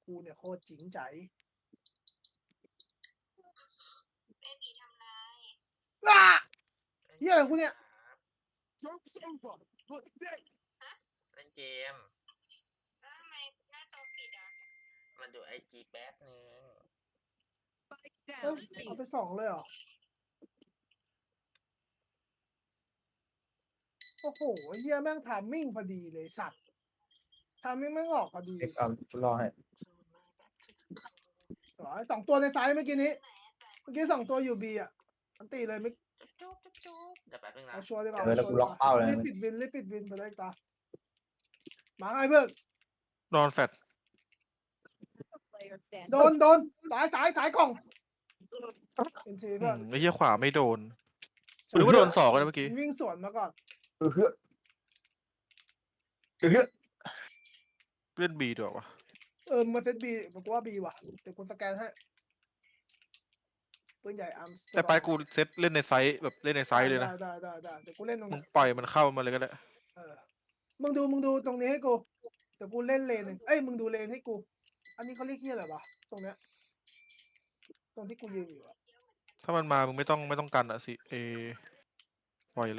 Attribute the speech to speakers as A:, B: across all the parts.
A: กูเนี่ยโคตรจริงใจว้าเฮียอะไรกูเนี่ย
B: เล่นเกมทำไมหน้าจอปิดอ่ะมันดูไอจีแป๊บนึง
A: เฮ้ยเอาไป2เลยเหรอโอ้โหเฮียแม่งทามมิ่งพอดีเลยสัตว์ทามมิ่งแม่งออกพอดี
C: รอให้
A: สวย2 ตัวในไซส์เมื่อกี้นี้2 ตัวอยู่บีอ่ะอันตีเลยไม่
B: จุ๊บเดี๋ยวแป๊บนึงนะ
A: เอาชัวร์ดีกว่า
C: แล้วกูล็อกเป้าเลย
A: รีบปิดวินไปเลยตามาไงเพื่อน
D: นอนแฟด
A: โดนตายกล่องเป็นทีเพื่อน
D: ไอ้เหี้ยขวาไม่โดนหรือว่าโดน2กันเมื่อกี้
A: วิ่งสวนมาก่อน
C: เฮ้ย
D: เล่นบีด้วยวะ
A: มาเซตบีผมว่าบีว่ะเดี๋ยวกูสแกนให้ปืนใหญ่อาร์ม
D: แต่ไปกูเซตเล่นในไซส์แบบเล่นในไซส์เลยนะ
A: ได้เดี๋ยวกูเล่นตรง
D: มึ
A: นี้
D: งปล่อยมันเข้ามาเลยก็ได้
A: มึงดูตรงนี้ให้กูเดี๋ยวกูเล่นเลนหนึ่งเอ้ยมึงดูเลนให้กู อันนี้เขาเรียกเฮียอะไรวะตรงเนี้ยตรงที่กูยืนอยู่อะ
D: ถ้ามันมามึงไม่ต้องกันอ่ะสิปล่อยเลย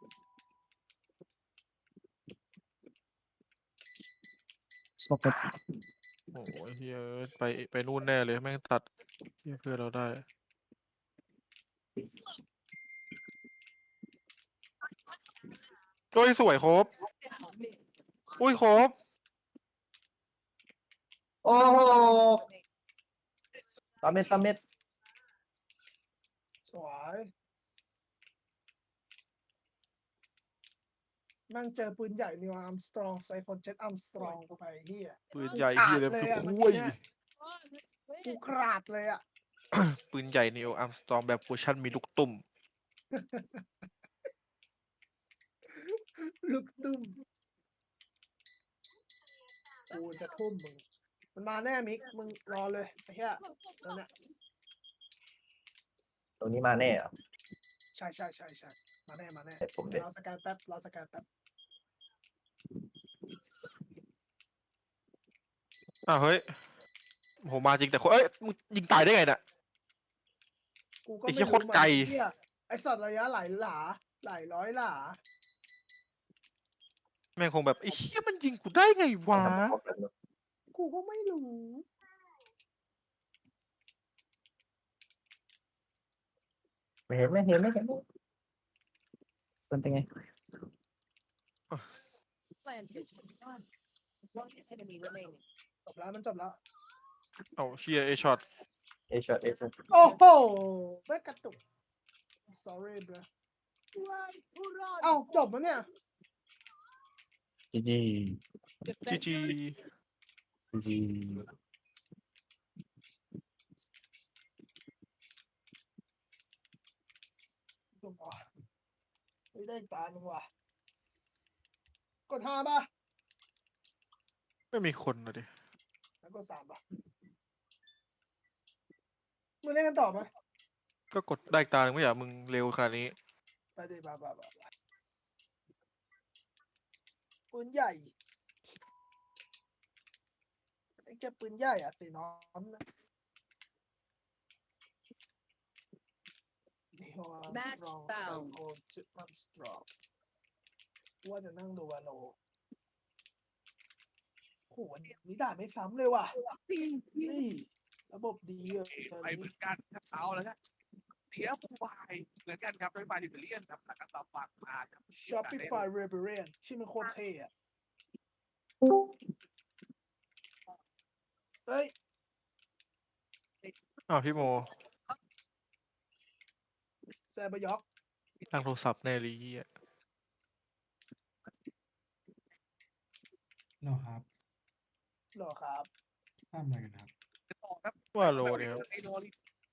C: สมอง
D: โอ้ยเฮียไปนู่นแน่เลยแม่งตัดเฮียเพื่อนเราได้โอ้ยสวยครบอุ้ยครบ
C: โอ้โหตาเม็ด
A: สวยแม่งเจอปืนใหญ่นิวอาร์มสตรองไซฟอนเจ็ตอาร์มสตรองกูไปเฮีย
D: ปืนใหญ่เฮียเลย
A: เลย
D: คือ
A: อะ
D: คุย
A: กูขาดเลยอ่ะ
D: ปืนใหญ่นิวอัมสตรองแบบเวอร์ชันมีลูกตุ่ม
A: ลูกตุ้มกูจะทุ่มมึงมันมาแน่มิกมึงรอเลยไอ้เหี้ยนั่นแหละ
C: ตรงนี้มาแน่เหรอ
A: ใช่มาแน่
C: แต่ผมเด็ด
A: รอสแกนแป๊บ
D: อ้าวเฮ้ยโหมาจริงแต่คนเอ้ยมึงยิงตายได้ไงน่ะ
A: กูก็
D: ไอ้
A: ไม่
D: เหี้ย
A: รู้
D: โคตรไกล
A: เหี้ยไอสัตว์ระยะหลายร้อยหลา
D: แม่งคงแบบไอ้เหี้ยมันยิงกูได้ไงวะ
A: กูก็ไม่รู้
C: ไม่เห็นเป็นไง
A: จบแล้วมันจบแล้ว
D: เอาเชียช็อต
C: เอช็อต
A: โอ้โหไม่กระตุก sorry bro เอ้าจบแล้วเนี่ย
C: จี
D: จี
A: จบว่ะไม่ได้อีกตาหนึ่งว่ะกด5ป่ะ
D: ไม่มีคนนะดิ
A: แล้วกด3ป่ะมึงเล่นกันต่อไหม
D: ก็กดได้อีกตาหนึ่งไม่อยากมึงเร็วขนาดนี้
A: ไปดิบ้าปืนใหญ่ไอ้แกปืนใหญ่อะสีน้อนนะนี่ว่า
E: Match
A: สตรอง
E: found
A: โอ้จิตมันสตรองว่าจะนั่งดูวาโลโหวันนี้ด่าไม่ซ้ำเลยว่ะนี่ระบบดีอะตอน
F: ไปเหมื
A: นี้
F: อนกันครับเอาแล้วครับเสียผู้วายเหมือนกันครับโดยบาดิเบเลียนครับแล้วก็ต่อฝั่งมาครับ
A: Shopify Rebellion ชื่อมันโคตรเท่อะเฮ้ย
D: อ้าวพี่โม
A: แซบะยอก
D: ตั้งโทรศัพท์แน่เลยเหี้ย
G: เหรอครับ
A: หรอครับ
G: ทำอะไรกันครับ
F: ต่อครับ
D: ว่าโลเนี่ยครับ
F: ไอโดน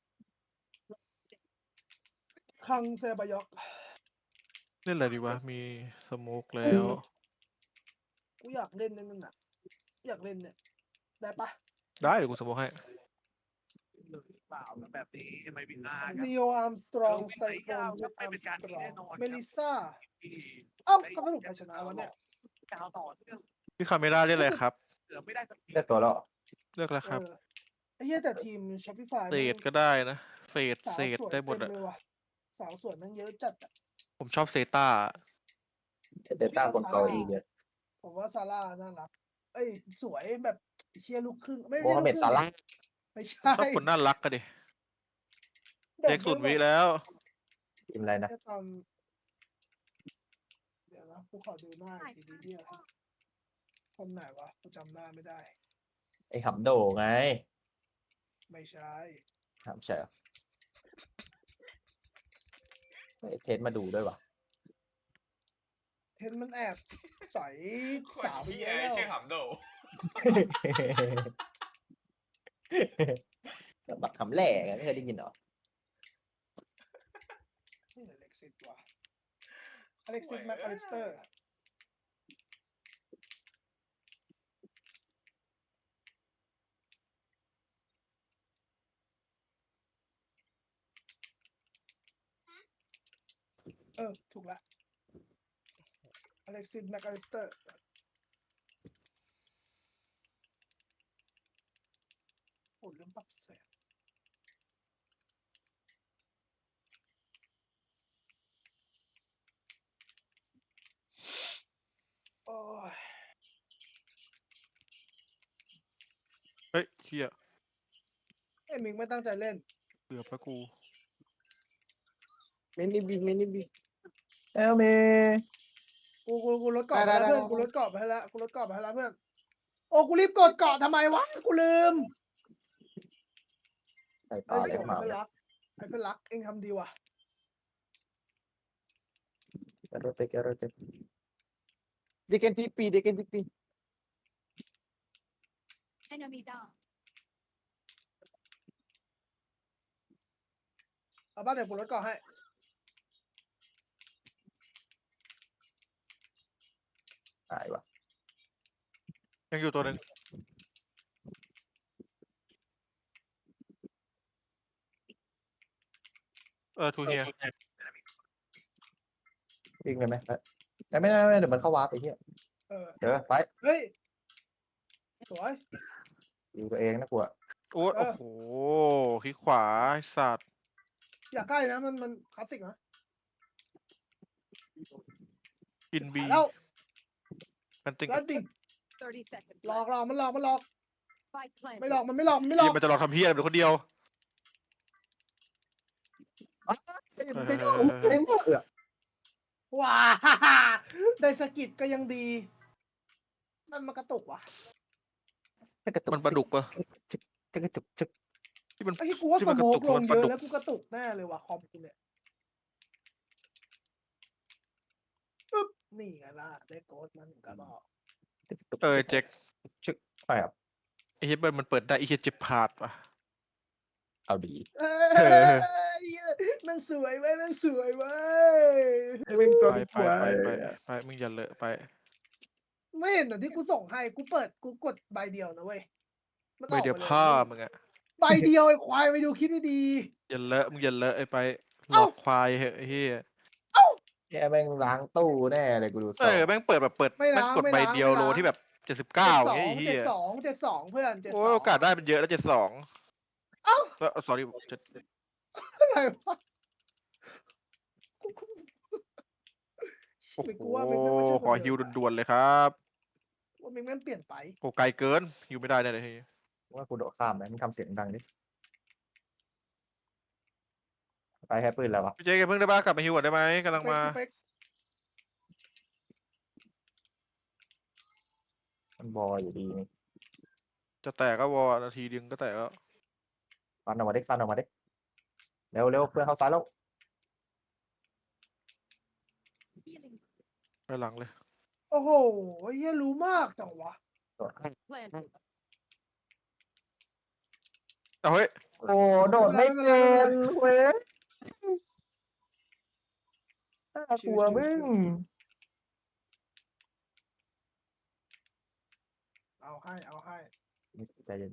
A: คังแซบะยอก
D: เล่นอะไรดีวะมีสโมกแล้ว
A: กูอยากเล่นนั่นน่ะอยากเล่นเนี่ยได้ปะ
D: ได้เดี๋ยวกูสโมกให้
F: หรือเปล่าแบบนี้ไม่บินได้ครับ
A: Neo Armstrong ไซโครน
F: ไม่เป็นการที่แน่นอน
A: เมลิซ่า
F: ที่
A: เอ้าก็สรุปใครชนะวะเนี่ย
F: ดาวต่อเนื่อง
D: พี่คาเมล่าเล่นอะไรครับ
F: เกือบไม่ได้สักที
C: ได้ตัวแล้ว
D: เลือกแล้ว
A: เอ
D: ครับ
A: อไอ้เหี้ยแต่ทีม Shopify
D: เศ
A: แม่ง
D: ษก็ได้นะเฟด
A: สา
D: เศ
A: ว
D: ษ
A: สวย
D: ได้หม
A: เต็
D: ด
A: ม
D: อะ
A: เลยว่ะสาวสวยแม่งเยอะจัดอะ
D: ผมชอบเซต้า
C: เดต้าคนเกาหลีเนี่ย
A: ผมว่าซาร่าน่ารักเอ้ยสวยแบบเชียร์ลูกครึ่งไม่
C: โม
A: ใช่
C: ฮัม
A: ลู
C: เหม็
A: ก
C: ด
A: ครึ่
C: ซาง ร่า
A: ไม่
D: ผม
A: ใช่
D: ชอบคนน่ารักกันดิ
A: แบบ
D: เด็กศูนย์วิ
A: ไม่แบบ
D: แล้ว
C: ทีมอะไรนะ
A: แค่ตอนเดี๋ยวนะกูขอดูหน้าอีกทีเดียวคนไหนวะกูจำหน้าไม่ได้
C: ไอ้หำโดไง
A: ไม่ใช่
C: หำใช่เหรอไอ้เทสมาดูด้วยวะ
A: เห็นมันแอบใส่
B: คน
A: สาวไป
B: เหี้
A: เย
B: ย
A: อะแล้ว
B: ชื่อหำโด
C: บักคำแหล่ไงไม่เคยได้ยินเหรอ
A: นี่อเล็กซิสว่ะอเล็กซิสแม็กอลิสเตอร์ถูกละอเล็กซิสแม็กอลิสเตอร์โอ้ลืมปรับแสงโอ้ย
D: เฮ้ยเฮีย
A: ไอ้มิงไม่ตั้งใจเล่น
D: เกือบแล้วกู
E: Many big, many big.
C: เอลเม
A: กูลดเกาะไปแล้ว
E: ได้
A: เพื่อนกูลดเกาะไปให้แล้วกูลดเกาะไปให้แล้วเพื่อนโอ้กูรีบกดเกาะทำไมวะกูลืม
C: ใส่
A: ไอ้
C: ตา
A: เสี
C: แล้
A: ยว
C: มา
A: ไอ้เพื่อนรักไอ้เพื่อนรักเองทำดีว่ะ
C: แกโรเตแกโรเต
E: They can TP, they can TP.
G: Enemy down.
A: เอาบ้านเดี๋ยวกูลดเกาะให้
C: หายวะ
D: ยังอยู่ตัวหนึ่งทูเฮีย
C: วิ่งเลยไหมแต่ไม่ได้เดี๋ยวมันเข้าวาร์ปไปเหี้ย
A: เออ
C: เดี๋ยวไป
A: เฮ้ยสวย
C: อยู่ตัวเองนะกูอะ
D: โอ้
A: เออ
D: โหคลิกขวาไอ้สัตว์
A: อย่าใกล้นะมันคลาสสิกนะ
D: กินบี
A: แล้ว
D: มันติง
A: แล้วติง
G: 30 seconds.
A: หลอก
G: left.
A: มันหลอก
G: Spike planted.
A: ไม่หลอกมันไม่หลอกมันไม่หล
D: เฮี
A: อย ก
D: มันจะรอทำเฮียเป็นคนเดียว
C: ไม่ชอบเล่นเออ
A: ว้า ได้สกิดก็ยังดีมันกระตุกว่ะ
C: กระตุก
D: มันปลาดุกปะ
C: จะกระตุกจึก
D: ที่มัน
A: ไอ้ที่กูว่า
D: ที่
A: ส
D: มันก
A: โม
D: ระตุ
A: ก
D: ก
A: ลง
D: มัน
A: เย
D: ปลา
A: อะ
D: ดุก
A: แล้วกูกระตุกแน่เลยว่ะคอมกูเนี่ยปึ๊บนี่ไงล่ะได้โกดมันกระบอก
D: เจ๊ก
C: จึกไปครับ
D: ไอ้เฮียเบิร์นมันเปิดได้ไอ้เฮียเจ็บพาดว่ะ
C: เอาดี
A: เอ้ยแมันสวยเว้ยแมันสวยเว้ย
D: ไปมึงอย่าเลอะไป
A: ไม่เห็นเหรอที่กูส่งให้กูกดใบเดียวนะเว้ยมันอ
D: ไม่
A: อก
D: เดี๋ยว
A: มาเลย
D: ผ้า
A: นะ
D: มึงอะ
A: ใบเดียวไอ้ควายไปดูคลิปดี
D: อย่าเลอะมึงอย่าเลอะไอ้ไปหล
A: เอ้า
D: อกควายเหอะไอ้เฮีย
C: แกแม่งล้างตู้แน่เลยกูดู
D: แม่งเปิดแบบเปิด
A: ไม่
D: แม่ง
A: ล้าง
D: กด
A: ไม่
D: ใบ
A: ล้าง
D: เดียว
A: ไม่
D: โล
A: ล้าง
D: ที่แบบ
A: ๆ
D: 79อย่างเงี้ยไอ้เฮีย
A: 72เพื่อน72
D: โอ้ยโอกาสได้มันเยอะแล้ว72
A: เอ้า
D: sorry
A: อะไรวะ
D: โอ้
A: ไม่
D: โห
A: กูว่ามิงแม่งไม่ใช่คน
D: ขอ
A: เดิ
D: ฮิว
A: มอะ
D: ด่วนๆเลยครับ
A: ว่ามิงแม่งเปลี่ยนไป
D: โอ้ไกลเกินฮิวไม่ได้แน่เลยเฮีย
C: ว่ากูโดดข้ามไหมมึงทำเสียงดังดิไปแค่ปืนแล้ววะ
D: พี่เจ๊แกเพิ่งได้บ้ากลับมาฮิวก่อนได้ไหมกำลังมา
A: สเปค
C: มันบออยู่ดีนี่
D: จะแตกก็วอนาทีดึงก็แตกแล้ว
C: ฟันออกมาดิฟันออกมาดิเร็วเร็วเพื่อนเข้าซ้ายแล้ว
G: Healing
D: ไปหลังเลย
A: โอ้โหเฮียรู้มากจังวะ
C: โดด
G: planted.
D: เอาเฮ้ย
C: โอ้โดดไม่เป็นเว้ยน่ากลัวมึง
A: เอาให้
C: ใจเย็น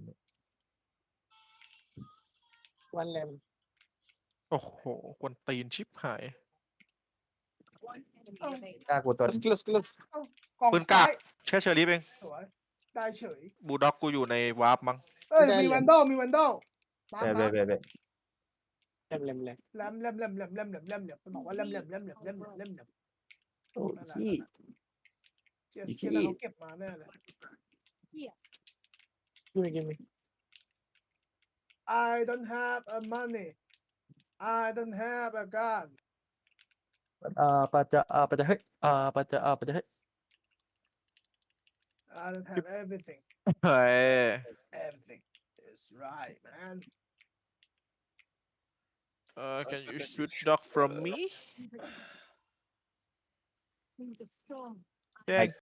E: One lamb.
D: โอ้โหกวนตีนชิบหาย
G: One enemy
A: Oh.
G: remaining.
C: น่ากลัวตัว
E: Close, close, close.
A: กอง
D: ปืนกาก
A: ซ้ย
D: แค่เชอรี่เอง
A: สวยตายเฉย
D: บูลด็อกกูอยู่ในวาร์ปมั้ง
A: เอ้ยมีวันดอลมีวันดอลมา
C: เบ
A: มา
C: เบเบ
E: แรม
A: แลมมันบอกว่าแลม
C: โอ้
A: นั่นแหละ
C: ชี้
A: เชีย
C: อีก
A: เชีย
C: ที่
A: แล้วเขาเก็บมาแน่เลย
E: give me give me
A: I don't have a money I don't have a gun
C: ปัจจะปัจจะเฮ้ยปัจจะเฮ้ย
A: I don't have everything
D: เฮ้ย
A: everything is right man
D: can you shoot dog from me
G: In the storm.
D: แจ้ง